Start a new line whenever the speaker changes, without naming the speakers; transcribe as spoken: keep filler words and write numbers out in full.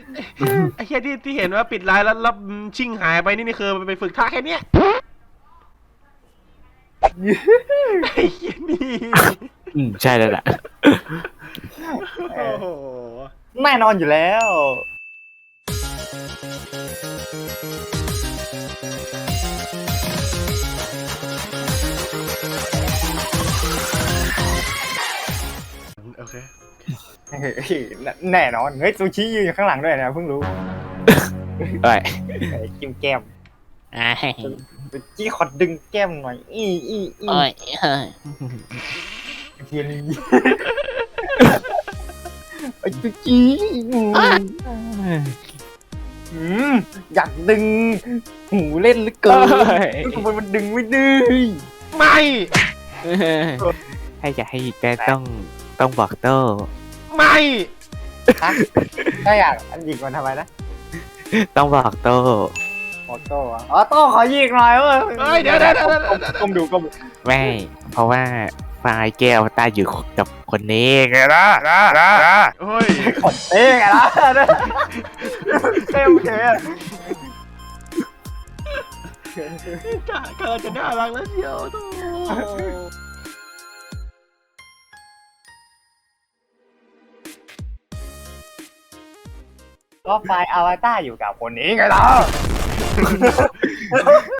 ไอ้แค่ที่ที่เห็นว่าปิดไลน์แล้วแล้วชิงหายไปนี่นี่คือไปฝึกท่าแค่เนี้ยไอ้เหี้ยนี่
อืมใช่แล้วแหละ
โอ้โห
แน่นอนอยู่แล้ว
โอเค
เฮ้ยแน่นอนเฮ้ยซูชิยืนอยู่ข้างหลังด้วยนะเพิ่งรู้
เอ้ย
ไอ้จิ้มแก้ม
อ่า
ซูชิขอดึงแก้มหน่อยอีอีอี
โอ้ยเฮ้ย
เทียนไอ้ซูชิอืมอยากดึงหูเล่นเหลือเกินทำไมมันดึงไม่ดื้อ
ไม่
ให้จะให้แกต้องต้องบอกโต้
ไม่
ฮะถ้าอยากอันหยิกมันทำไมนะ
ต้องบอกโต้
ออโต้อะอ๋อโต้ขอหยิกหน่อยเว้ย
เฮ้ยเดี๋ยวเดี๋ยวเดี๋ยวเดี๋ยวเดี๋ยว
ก้มดูก้มดู
ไม่ เพราะว่าไฟล์แก้วตายอยู่กับคนนี้ไงล่ะนะนะนะ
เฮ้ย
กดเองไงล่ะเท่เท่
กะเกินจะน่ารักแล้วเชียวโธ่
ก็ไฟล์อวตารอยู่กับคนนี้ไงล่ะ